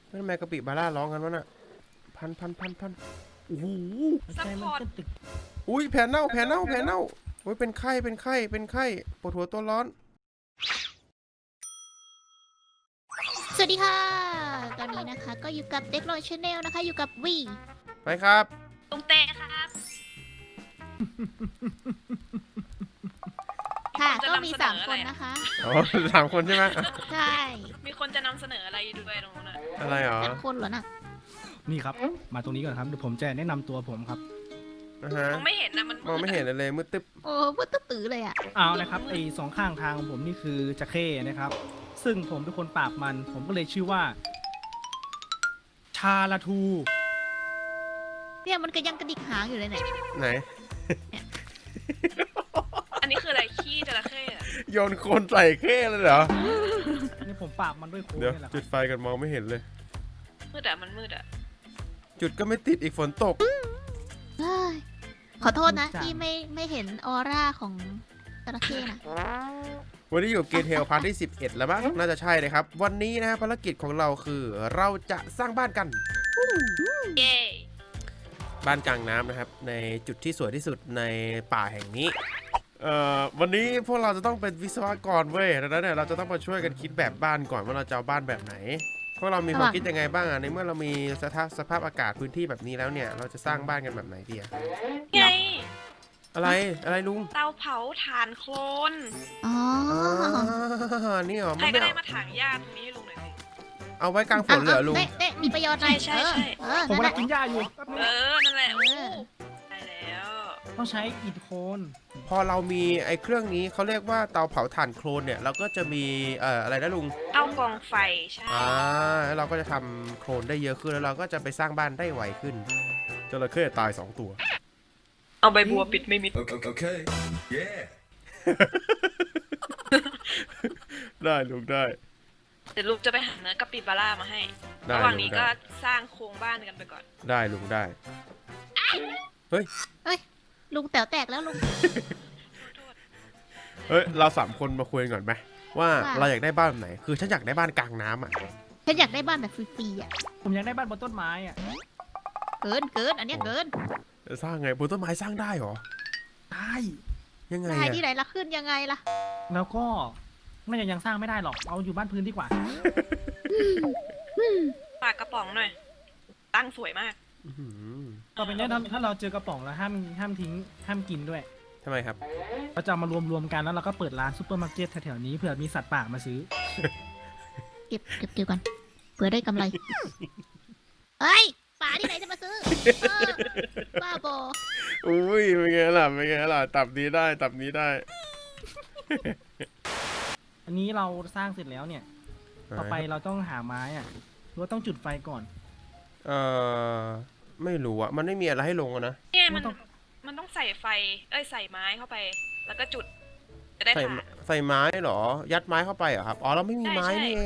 ทำไมกะปิบาร่าร้องกันวะน่ะพันโอ้โหซัพพอร์ตอุ้ยแผลเน่าโอ้ยเป็นไข้ปวดหัวตัวร้อนสวัสดีค่ะ ตอนนี้นะคะก็อยู่กับเด็กลอยชาแนลนะคะ อยู่กับวีไปครับลุงเต้ครับค่ะจะก็มีนำเสนอ 3 อะคไรนอะนะคะอ๋อสามคนใช่ไหมใช่มีคนจะนำเสนออะไรด้วยตรงนู้นน่ะอะไรหรอ 3 คนเหรอน่ะนี่ครับ มาตรงนี้ก่อนครับเดี๋ยวผมจะแนะนำตัวผมครับนะฮะมองไม่เห็นนะมันมองไม่เห็นเลยมืดตึ๊บโอ้พูดตื้อๆเลยอ่ะเอานะครับไอ้สองข้างทางของผมนี่คือจะเข้นะครับ ซึ่งผมเป็นคนปราบมัน ผมก็เลยชื่อว่า ชาลาทูเนี่ยมันก็ยังกระดิกหางอยู่เลยเนี่ยไหนอันนี้คืออะไรขี้จระเข้อะโยนโคลนใส่เข้เลยเหรอนี่ผมปราบมันด้วยโค้งเดี๋ยวนี่แหละคจุรับดไฟกันมองไม่เห็นเลยมืดอะมันมืดอะจุดก็ไม่ติดอีกฝนตกเฮ้ยขอโทษนะที่ไม่เห็นออร่าของจระเข้นะวันนี้อยู่เกทเทลพาร์ทที่ 11 แล้วมั้งน่าจะใช่เลยครับ วันนี้นะฮะภารกิจของเราคือเราจะสร้างบ้านกันเย้บ้านกลางน้ำนะครับ ในจุดที่สวยที่สุดในป่าแห่งนี้วันนี้พวกเราจะต้องเป็นวิศวกรเว้ยดังนั้นเนี่ยเราจะต้องมาช่วยกันคิดแบบบ้านก่อนว่าเราจะเอาบ้านแบบไหนพวกเรามีความคิดยังไงบ้างอ่ะในเมื่อเรามีสภาพอากาศพื้นที่แบบนี้แล้วเนี่ยเราจะสร้างบ้านกันแบบไหนดีอะไงอะไรลุงเตาเผาถ่านโคลนอ๋อนี่เหรอใครมันก็ไม่ได้เอามาถางหญ้าตรงนี้ให้ลุงหน่อยสิเอาไว้กลางฝนเหรอลุงเน่มีประโยชน์หน่อยใช่เออผมนั่นแหละกำลังกินหญ้าอยู่แป๊บนึงนั่นแหละโอ้ได้แล้วต้องใช้อิฐโคนพอเรามีไอ้เครื่องนี้เขาเรียกว่าเตาเผาถ่านโคลนเนี่ยเราก็จะมีอะไรนะลุงเอากองไฟใช่แล้วเราก็จะทำโคลนได้เยอะขึ้นแล้วเราก็จะไปสร้างบ้านได้ไวขึ้นจระเข้ตาย2 ตัวเอาใบบัวปิดไม่มิด Okay. Yeah. ได้ลุงได้เดี๋ยวลุงจะไปหาเนื้อกะปิบาร่ามาให้ได้ระหว่างนี้ลุงได้ก็สร้างโครงบ้านกันไปก่อนได้ลุงได้ลุงแต๋วแตกแล้วลุงเฮ้ยเรา3 คนมาคุยกันก่อนไหมว่าว่าเราอยากได้บ้านแบบไหนคือฉันอยากได้บ้านกลางน้ำอ่ะฉันอยากได้บ้านแบบฟรีๆอ่ะผมอยากได้บ้านบนต้นไม้อะเกินอันเนี้ยเกินสร้างไงบนต้นไม้สร้างได้เหรอได้ยังไงได้อะที่ไหนละขึ้นยังไงล่ะแล้วก็น่าจะยังสร้างไม่ได้หรอก เอาอยู่บ้านพื้นดีกว่าปากกระป๋องหน่อย ตั้งสวยมากอื้อหือต่อไปเนี้ยถ้าเราเจอกระป๋องแล้วห้ามทิ้งห้ามกินด้วยทำไมครับเราจะเอามารวมกันแล้วเราก็เปิดร้านซูเปอร์มาร์เก็ตแถวๆนี้เผื่อมีสัตว์ป่ามาซื้อเก็บก่อนเผื่อได้กำไร เอ้ยป๋าที่ไหนจะมาซื้อบ้าบออุ้ยเป็นไงล่ะตับนี้ได้อันนี้เราสร้างเสร็จแล้วเนี่ย ต่อไปเราต้องหาไม้อะหรือว่าต้องจุดไฟก่อนไม่รู้อะมันไม่มีอะไรให้ลงอะนะเนี่ยมันมันต้องมันต้องใส่ไฟ ใส่ไม้เข้าไป แล้วก็จุด จะได้ใส่ถ่านใส่ไม้เหรอ ยัดไม้เข้าไปเหรอครับ อ๋อ เราไม่มีไม้ใช่นี่เอง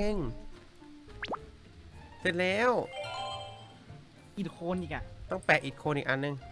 เสร็จแล้วอิฐโคนอีกอะต้องแปะอิฐโคนอีกอันนึง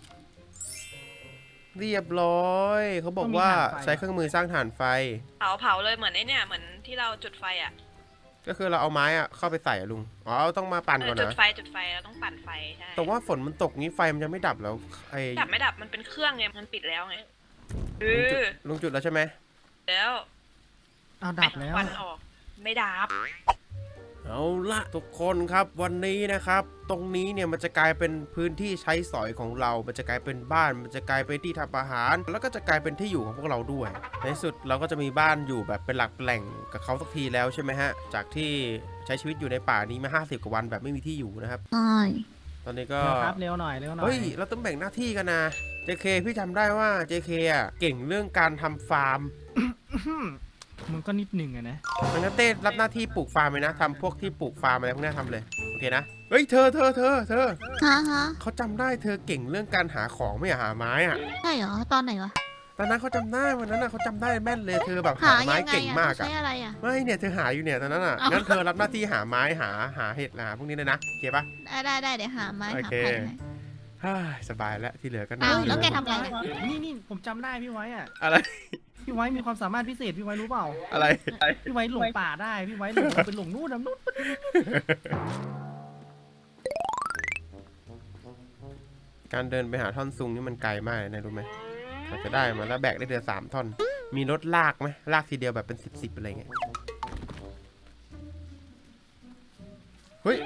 เรียบร้อย เขาบอกว่าใช้เครื่องมือสร้างถ่านไฟเผาเลยเหมือนไอ้เนี่ย เหมือนที่เราจุดไฟอ่ะก็คือเราเอาไม้อะเข้าไปใส่อะลุง อ๋อ ต้องมาปั่นก่อนจุดนะไฟเราต้องปั่นไฟใช่แต่ว่าฝนมันตกงี้ไฟมันจะไม่ดับแล้วไอ้ดับไม่ดับมันเป็นเครื่องไง มันปิดแล้วไงลุงจุดแล้วใช่ไหมแล้วเอาดับแล้วควันออก ไม่ดับเอาละทุกคนครับวันนี้นะครับ ตรงนี้เนี่ยมันจะกลายเป็นพื้นที่ใช้สอยของเรา มันจะกลายเป็นบ้าน มันจะกลายเป็นที่ทำอาหาร แล้วก็จะกลายเป็นที่อยู่ของพวกเราด้วย ในที่สุดเราก็จะมีบ้านอยู่แบบเป็นหลักแหล่งกับเขาสักทีแล้วใช่ไหมฮะจากที่ใช้ชีวิตอยู่ในป่านี้มา50 กว่าวันแบบไม่มีที่อยู่นะครับใช่ตอนนี้ก็ครับเร็วหน่อยเฮ้ยเราต้องแบ่งหน้าที่กันนะ JK พี่จำได้ว่า JK อ่ะเก่งเรื่องการทำฟาร์มมันก็นิดหนึ่งอะนะมันก็เต้รับหน้าที่ปลูกฟาร์มเลยนะทำพวกที่ปลูกฟาร์มอะไรพวกนี้ทำเลยโอเคนะเฮ้ยเธอฮะเขาจำได้เธอเก่งเรื่องการหาของไม่หาไม้อะใช่เหรอตอนไหนวะตอนนั้นเขาจำได้วันนั้นน่ะเขาจำได้แม่นเลยเธอแบบหาหาไม้ยังไงเก่งอ่ะมากใช้อะอะไรอ่ะไม่เนี่ยเธอหาอยู่เนี่ยตอนนั้นอะเอางั้งั้นเธอรับหน้าที่หาไม้หาเห็ดหาพวกนี้เลยนะโอเคปะได้เดี๋ยวหาไม้โอหาเคไผ่ให้ฮ่าสบายแล้วที่เหลือก็นั่อ้าง วอยู่แล้วแกทำอะไรนี่ผมจำได้พี่ไว้อะอะไรพี่ไว้มีความสามารถพิเศษพี่ไว้รู้เปล่าอะไรพี่ไว้หลงป่าได้พี่ไว้หลงเป็นหลงนู่นนะนู่นการเดินไปหาท่อนซุงนี่มันไกลมากเลยนะรู้ไหมเราจะได้มาแล้วแบกได้เดือน3 ท่อน มีรถลากไหมลากทีเดียวแบบเป็น10อะไรเงี้ย เฮ้ย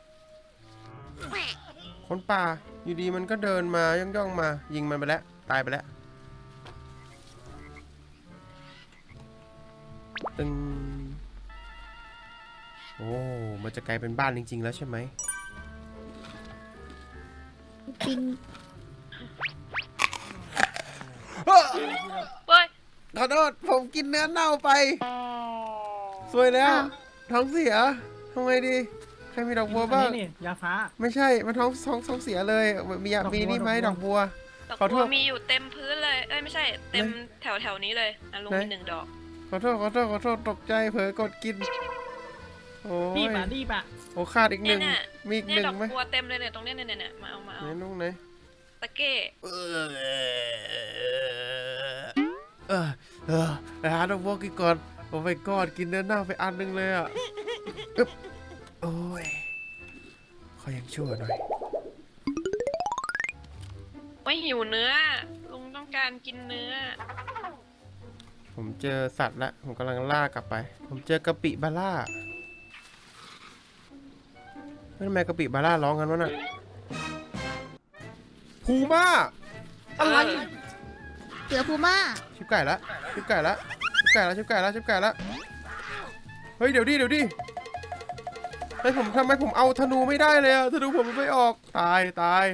คนป่าอยู่ดีมันก็เดินมาย่องๆมา ยิงมันไปแล้ว ตายไปแล้ว ตึง โอ้มันจะกลายเป็นบ้านจริงๆแล้วใช่ไหมปิงเฮ้ยขอโทษผมกินเนื้อเน่าไป สวยแล้ว ท้องเสียทำไงดี ใครมีดอกบัวบ้างนี่ยาฟ้าไม่ใช่ มันท้องเสียเลย มีนี่ไหมดอกบัวดอกขอโทบัวษมีอยู่เต็มพื้นเลย เอ้ยไม่ใช่ เต็มแถวนี้เลยนะลุงไหนมี1 ดอกขอโทษ ตกใจเผลอกดกิน โอ้รียบอ่ะรีบอ่ะโอ้ขาดอีกหนึ่งเนี่ยมีอีกหเนี่ยนึ่งดอกไหมบัวเต็มเลยเนี่ยตรงเนี้ยเนี่ยมาเอาไหนลุงไหนตะเก้หาดอกบัวกินก่อน โอ้ไม่กอดกินเนื้อเน่าไปอันหนึงเลยอ่ะอึ๊บโอ้ยขอยังชั่วหน่อยไม่หิวเนื้อ ลุงต้องการกินเนื้อผมเจอสัตว์ละผมกำลังล่ากลับไป ผมเจอกะปิบาร่าเฮ้ยทำไมกะปิบาร่าร้องกันวะน่ะพูม่าอะไรเสือพูม่าชิบไก่ละชิบไก่ละเฮ้ยเดี๋ยวดิเฮ้ยผมทำไมผมเอาธนูไม่ได้เลยอะธนูผมมันไม่ออกตาย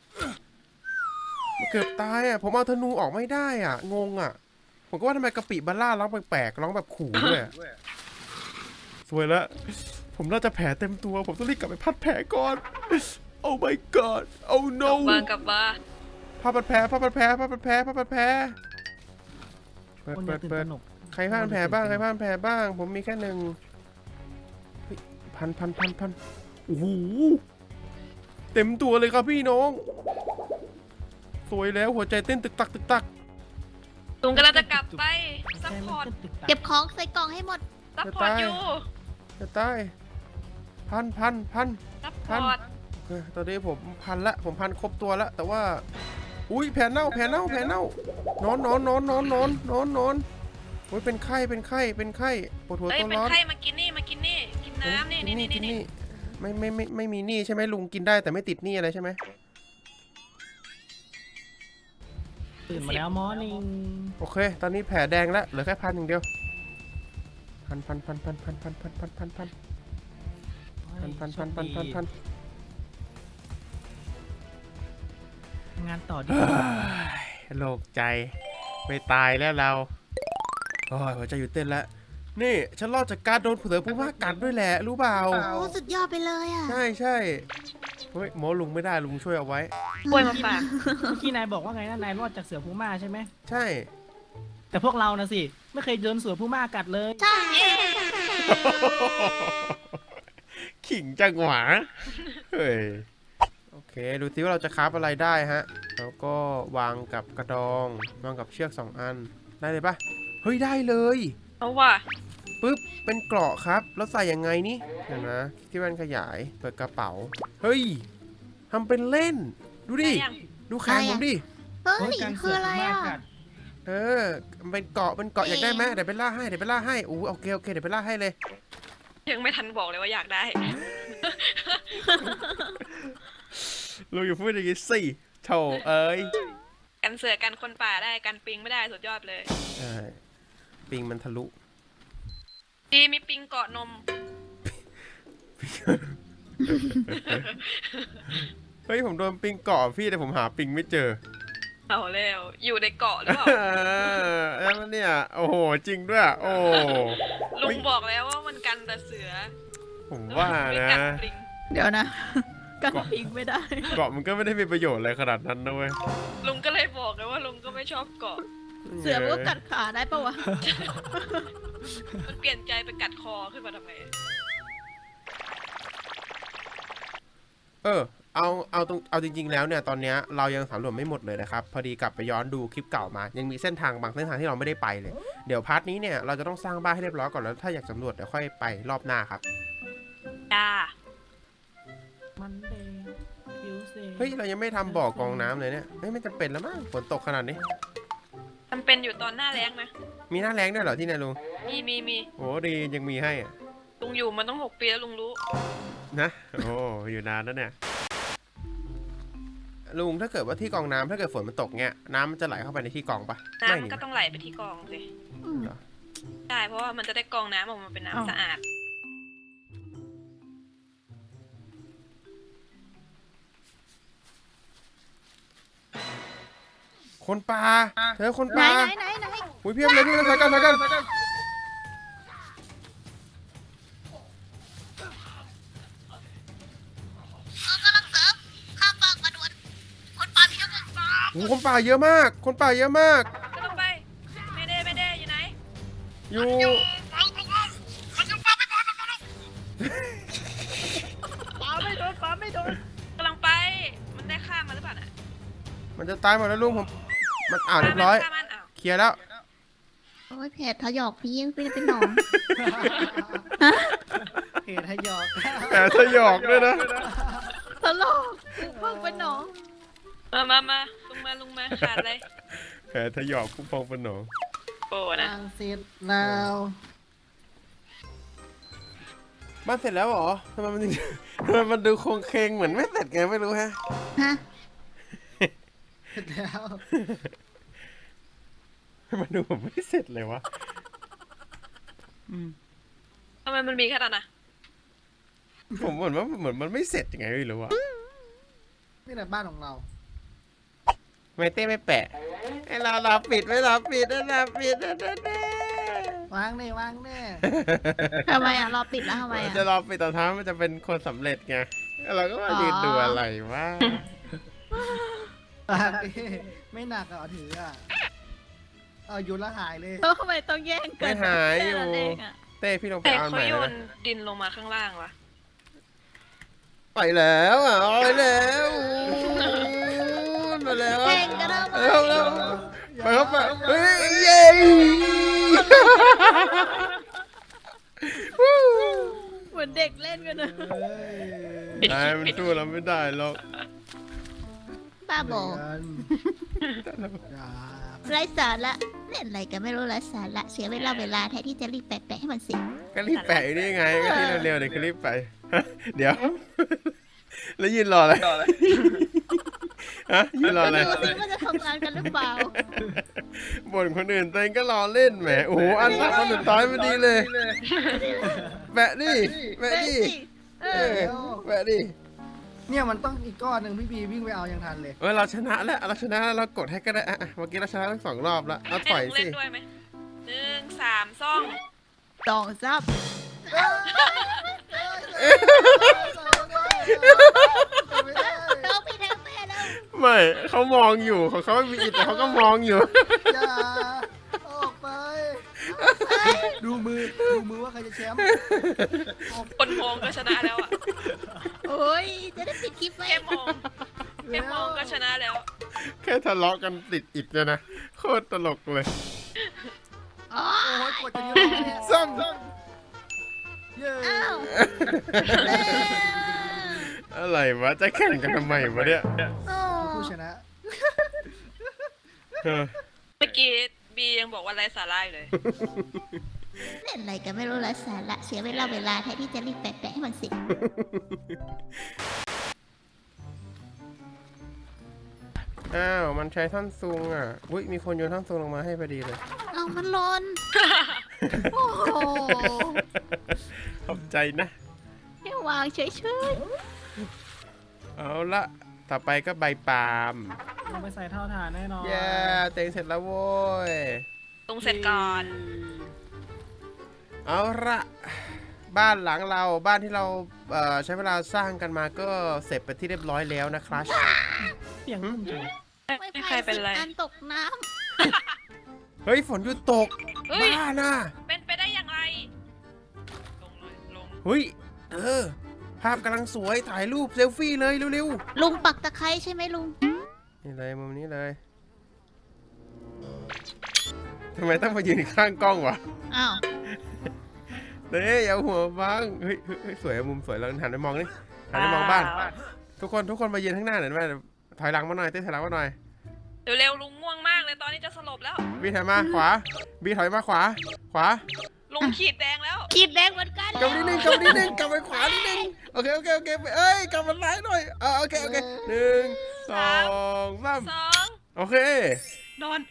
เกือบตายอะผมเอาธนูออกไม่ได้อะงงอะผมก็ว่าทำไมกะปิบาร่าร้องแปลกๆร้องแบบขู่ด้วยอะสวยแล้วผมน่าจะแผลเต็มตัวผมต้องรีบกลับไปพัดแผลก่อน Oh my god Oh ก no ลับมาผ้าพัดแผลเปิดคนอย่าตื่นตระหนกใครผ้าพันแผลบ้าง ผมมีแค่1เฮ้ยพันโอ้โหเต็มตัวเลยครับพี่น้อง สวยแล้วหัวใจเต้นตึกตักลุงกำลังจะกลับไปซัพพอร์ตเก็บของใส่กล่องให้หมดซัพพอร์ตอยู่จะตายพันซัพพอร์ตตอนนี้ผมพันละผมพันครบตัวละแต่ว่าอุ้ยแผลเน่านอนโอ้ยเป็นไข้ปวดหัวเอ้ยตัวเป็นร้อนไข้มากินนี่กินน้ำนี่กินนี่ไม่มีหนี้ใช่ไหมลุงกินได้แต่ไม่ติดหนี้อะไรใช่ไหมตื่นมาแล้วมอร์นิ่งโอเค ตอนนี้แผลแดงแล้วเหลือแค่1,000อย่างเดียวพันงานต่อดีโล่งใจไม่ตายแล้วเราโอ้ยหัวใจหยุดเต้นแล้วนี่ฉันรอดจากการโดนเผือผู้ว่ากัดด้วยแหละรู้เปล่าโอ้สุดยอดไปเลยอ่ะใช่เฮ้ยโมลุงไม่ได้ลุงช่วยเอาไว้ป่วยมาฝากเมื่อกี้นายบอกว่าไงนะนายรอดจากเสือพูม่าใช่ไหมใช่แต่พวกเรานะสิไม่เคยโดนเสือพูม่ากัดเลยใช่ขิงจังหวะเฮ้ยโอเคดูซิว่าเราจะคราฟอะไรได้ฮะแล้วก็วางกับกระดองวางกับเชือก2 อันได้เลยปะเฮ้ยได้เลยเอาว่ะปึ๊บเป็นเกราะครับแล้วใส่ยังไงนี่เห็นนะที่มันขยายเปิดกระเป๋าเฮ้ยทำเป็นเล่นดูดิได้ยังดูแขนผมดิเฮ้ยการคืเสือออะไรพูม่าอ่ะกัดมันเป็นเกราะอยากได้ไหมเดี๋ยวไปล่าให้โอเคเดี๋ยวไปล่าให้เลยยังไม่ทันบอกเลยว่าอยากได้เราอยู่าพูดอย่างนี้สิโถเอ้ยกันเสือกันคนป่าได้กันปิงไม่ได้สุดยอดเลยใช่ปิงมันทะลุดีมีปิงเกาะนมเฮ้ยผมโดนปิงเกาะพี่แต่ผมหาปิงไม่เจอเอาแล้วอยู่ในเกาะหรือเปล่าแล้วเนี่ยโอ้โหจริงด้วยโอ้ลุงบอกแล้วว่ามันกันแต่เสือผมว่าไม่นะกัดปิงเดี๋ยวนะ กันพิงไม่ได้เกาะมันก็ไม่ได้มีประโยชน์อะไรขนาดนั้นนะเว้ยลุงก็เลยบอกเลยว่าลุงก็ไม่ชอบเกาะเสือมันก็กัดขาได้ปะวะมันเปลี่ยนใจไปกัดคอขึ้นมาทำไมเอาจริงๆแล้วเนี่ยตอนเนี้ยเรายังสำรวจไม่หมดเลยนะครับพอดีกลับไปย้อนดูคลิปเก่ามายังมีเส้นทางบางเส้นทางที่เราไม่ได้ไปเลยเดี๋ยวพาร์ทนี้เนี่ยเราจะต้องสร้างบ้านให้เรียบร้อยก่อนแล้วถ้าอยากสำรวจเดี๋ยวค่อยไปรอบหน้าครับจ้ามันเดย์คิวเซเฮ้ยเรายังไม่ทำบ่อกรองน้ำเลยเนี่ยไม่จำเป็นแล้วมั้งฝนตกขนาดนี้มันเป็นอยู่ตอนหน้าแล้งนะมีหน้าแรงด้วยเหรอที่ไหนลุงมีโอ้ดียังมีให้อะลุงอยู่มันต้อง6 ปีแล้วลุงรู้นะโอ้อยู่นานแล้วเนี่ยลุงถ้าเกิดว่าที่กรองน้ำถ้าเกิดฝนมันตกเนี่ยน้ำมันจะไหลเข้าไปในที่กรองปะน้ำไม่มันนี่ก็ต้องไหลไปที่กองสิอืมเหรอใช่เพราะว่ามันจะได้กรองน้ำออกมาเป็นน้ำสะอาดคนป่าเธอคนไหนป่าไหนไหนอุ้ยเพียบเลยพี่นะสายกันโอ้คนป่าเยอะมาก คนป่าเยอะมากก็ต้องไปไม่ได้อยู่ไหนอยู่ปาไม่โดนกำลังไปมันได้ข้ามมาหรือเปล่าน่ะมันจะตายหมดแล้วลุงผมมันเรียบร้อยฆ่ามันอ้าวเคลียร์แล้วโอ้ยแผลทะยอกพี่ยังเป็นหนองเหตุให้หยอกแต่สยอกด้วยนะตลกเพิ่งเป็นหนองมาลุงมาขาดเลยแผลทะยอกพุ่งพองเป็นหนองโป้นะทางเสร็จแล้วบ้านเสร็จแล้วเหรอทำไมมันดูโครงเคงเหมือนไม่เสร็จไงไม่รู้ฮะฮะเสร็จแล้วมันดูผมไม่เสร็จเลยวะทำไมมันมีแค่นั้นน่ะผมเหมือนมันไม่เสร็จยังไงไม่รู้อะนี่แหละบ้านของเราไม่เต้ไม่แปะไอ้เราปิดไม่เราปิดนะเราปิดนะวางแน่วางแน่ทำไมอ่ะรอปิดแล้วทำไมอ่ะจะรอปิดตอนท้ายมันจะเป็นคนสำเร็จไงเราก็มายืนดูอะไรวะวางดิไม่หนักอ่ะถืออ่ะเอาโยนแล้วหายเลยแล้วทำไมต้องแย่งกัไม่หายอยู่แค่นั้นเองอะเต้พี่ลงไปแต่เอาเขาใหม่โยนะนดินลงมาข้างล่างวะไปแล้วอ่ะไปแล้วมาแล้วแย่งกันทำไมแล้วไปครับไปเฮ้ยเย้เหมือนเด็กเล่นกันนะเฮ้ยนายมันสู้เราไม่ได้หรอกบ้าบออย่าไร้สาระเล่นอะไรกันไม่รู้ไร้สาระเสียเวลาแทนที่จะรีบแปะให้มันเสร็จก็รีบแปะอยู่นี่ไงก็ที่เร็วๆเดี๋ยวก็รีบไปเดี๋ยวแล้วยืนรออะไรฮะยืนรออะไรดูสิว่าจะทำงานกันหรือเปล่าบ่นคนอื่นตัวเองก็รอเล่นแหมโอ้โหอันคนสุดท้ายพอดีเลยแปะดิแปะดิเอเอออแปะดิเนี่ยมันต้องอีกก้อนหนึ่งพี่บีวิ่งไปเอายังทันเลยเราชนะแล้วเราชนะแล้วเรากดให้ก็ได้อ่ะเมื่อกี้เราชนะทั้ง2 รอบแล้วเอาให้ถอยลุงสิเล่นด้วยไหม1 3 ซ่องสองซับไม่ได้เราไปทางแม่แล้วไม่เขามองอยู่ของเขาไม่มีอิฐแต่เขาก็มองอยู่อย่าออกไป ดูมือว่าใครจะแชมป์คนมองก็ชนะแล้วอ่ะโอ้ยจะได้ปิดคลิปไหมแค่มองก็ชนะแล้วแค่ทะเลาะกันติดอิฐเนี่ยนะโคตรตลกเลยอ๋อโอ้ยกดจะยืนเนี่ยซ่อมเย้อ้าวอะไรวะจะแข่งกันทำไมวะเนี่ยโอ้ผู้ชนะเออเมื่อกี้บียังบอกว่าไร้สาระอยู่เลยเล่นอะไรกันไม่รู้ไร้สาระเสียเวลาแทนที่จะรีบแปะให้มันเสร็จอ้าวมันใช้ท่อนซุงอ่ะอุ้ยมีคนโยนท่อนซุงลงมาให้พอดีเลยเอามันหลนโอ้โหขอบใจนะแค่วางเฉยเอาละต่อไปก็ใบปาล์มลงไปใส่เท่าฐานแน่นอนเย้เต็งเสร็จแล้วโว้ยตรงเสร็จก่อนเอาละบ้านหลังเราบ้านที่เราใช้เวลาสร้างกันมาก็เสร็จไปที่เรียบร้อยแล้วนะครับเสียงนุ่มจังๆไม่ไม่ใครเป็นไรอันตกน้เฮ้ยฝนหยุดตกเฮ้ยบ้าน่ะเป็นไปได้อย่างไร ลงเลยลงเฮ้ยภาพกำลังสวยถ่ายรูปเซลฟี่เลยเร็วลุงปักตะไคร้ใช่ไหมลุงๆนี่เลยมุมนี้เลยทำไมต้องมายืนข้างกล้องวะอ้าวเด้อย่าหัวบังเฮ้ยสวยอะมุมสวยเราหันไปมองนี่หันไปมองบ้าน ทุกคนมายืนข้างหน้าหน่อยได้ไหมถอยหลังมาหน่อยเต้ถอยหลังมาหน่อยเร็วๆลุงง่วงมากเลยตอนนี้จะสลบแล้วบีถอยมาขวาบีถอยมาขวาลุงขีดแดงแล้วขีดแดงเหมือนกันกลับมานิดนึงกลับไปขวานิดนึงโอเคเอ้ยกลับมาซ้ายหน่อยโอเค1 2 3 2 โอเคนอน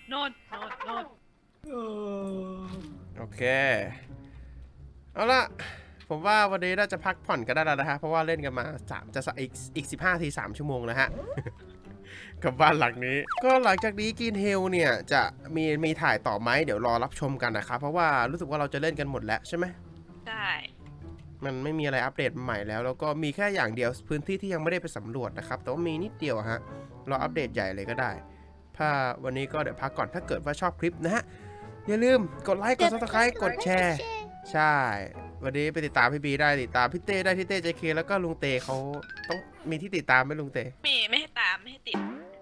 โอเคเอาล่ะผมว่าวันนี้น่าจะพักผ่อนกันได้แล้วนะฮะเพราะว่าเล่นกันมาอีก15 ที 3 ชั่วโมงนะฮะ กับบ้านหลังนี้ ก็หลังจากนี้กินเฮลเนี่ยจะมีถ่ายต่อไหมเดี๋ยวรอรับชมกันนะครับเพราะว่ารู้สึกว่าเราจะเล่นกันหมดแล้วใช่ไหมใช่มันไม่มีอะไรอัปเดตใหม่แล้วก็มีแค่อย่างเดียวพื้นที่ที่ยังไม่ได้ไปสำรวจนะครับแต่ว่ามีนิดเดียวฮะรออัปเดตใหญ่เลยก็ได้ถ้าวันนี้ก็เดี๋ยวพักก่อนถ้าเกิดว่าชอบคลิปนะฮะอย่าลืมกดไลค์กด Subscribe กดแชร์ใช่วันนี้ไปติดตามพี่บีได้ติดตามพี่เต้ได้พี่เต้ JK แล้วก็ลุงเต้เขาต้องมีที่ติดตามไหมลุงเต้ไม่ให้ตามไม่ให้ติด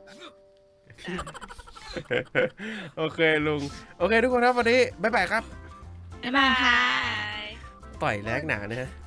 โอเคลุงโอเคทุกคนครับวันนี้บ๊ายบายครับบ๊ายบายค่ะบายต่อยแรกหนาเนี่ย